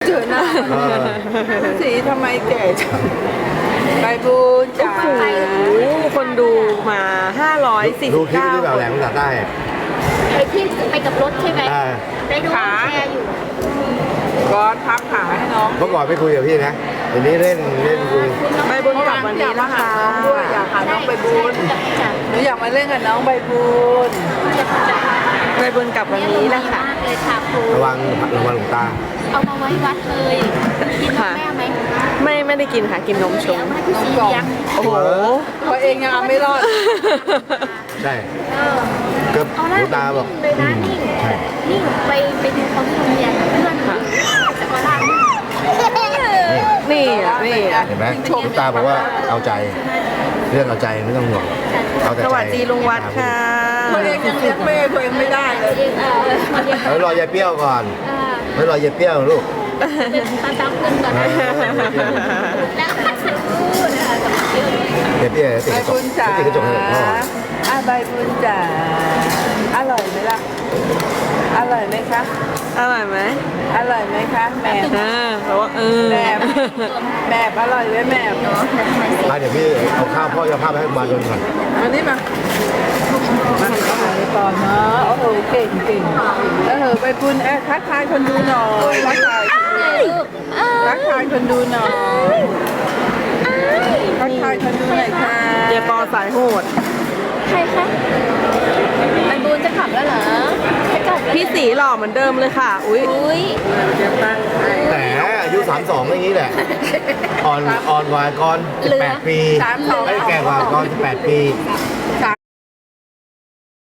เจอหน้าสีทำไมแก่จังใบบุญจ๋าโอ้โหคนดูมา549 ดูคลิปที่แบบแหลมตัดได้อะไปที่ไปกับรถใช่ไหมอ่าได้ดูแชร์อยู่ก้อนพับขาให้น้องเมื่อก่อนไม่คุยกับพี่นะเดี๋ยวนี้เล่นคุยใบบุญกลับวันนี้นะคะด้วยอยากหาน้องใบบุญใช่จ้ะหนูอยากมาเล่นกับน้องใบบุญใบบุญกลับวันนี้นะคะมากเลยค่ะครูระวังหลวงตาเอามาไว้วัดเลยกินนมแม่ไหมไม่ได้กินค่ะกินนมชงเอามาให้พี่สีเลี้ยงโอ้โหตัวเองยังเอาไม่รอดใช่เออก็หเอาลล่ะวงตาบอกเลยนะนิ่งใช่นิ่งไปดูเขาที่โรงเรียนเพื่อนค่ะจะก็ได้นี่อ่ะนี่อ่ะเห็นไหมหลวงตาบอกว่าเอาใจ เรื่องเอาใจไม่ต้องห่วงเอาแต่สใจวัสดีลุงวัดค่ะตัวเองยังเลี้ยงแม่ตัวเองไม่ได้เลยเองเรียนเฮ้ยรอยายเปรี้ยวก่อนไม่รอยายเปรี้ยวลูกตาตั้งขึ้นก่อนนะแล้วก็สักครู่นะคะกับเพื่อนยายเปรี้ยวติดใบกระจบุกญจ๋าติดกระจกให้พ่อใบบุญจ๋าอร่อยไหมล่ะอร่อยไหมคะอร่อยไหมอร่อยไหมคะแหม่เพราะว่าแบบอร่อยไหมแหม่เนาะเดี๋ยวพี่เอาข้าวพ่อจะเอาข้าวไปให้มาโดนก่อนมานี่มามาหาก่อนเนาะโอ้โหเก่งใบบุญทักทายคนดูหน่อยทักทายคนดูหน่อยทักทายคนดูหน่อยค่ะเดี๋ยวปอสายโหดใครคะไอ้บูนจะขับแล้วเหรอจะกลับแล้วพี่สีหล่อเหมือนเดิมเลยค่ะ อุ้ยอุ้ยแต่อายุ32อย่างนี้แหละอ่อนกว่าก่อน18 ปีไม่แก่กว่าก่อน18 ปี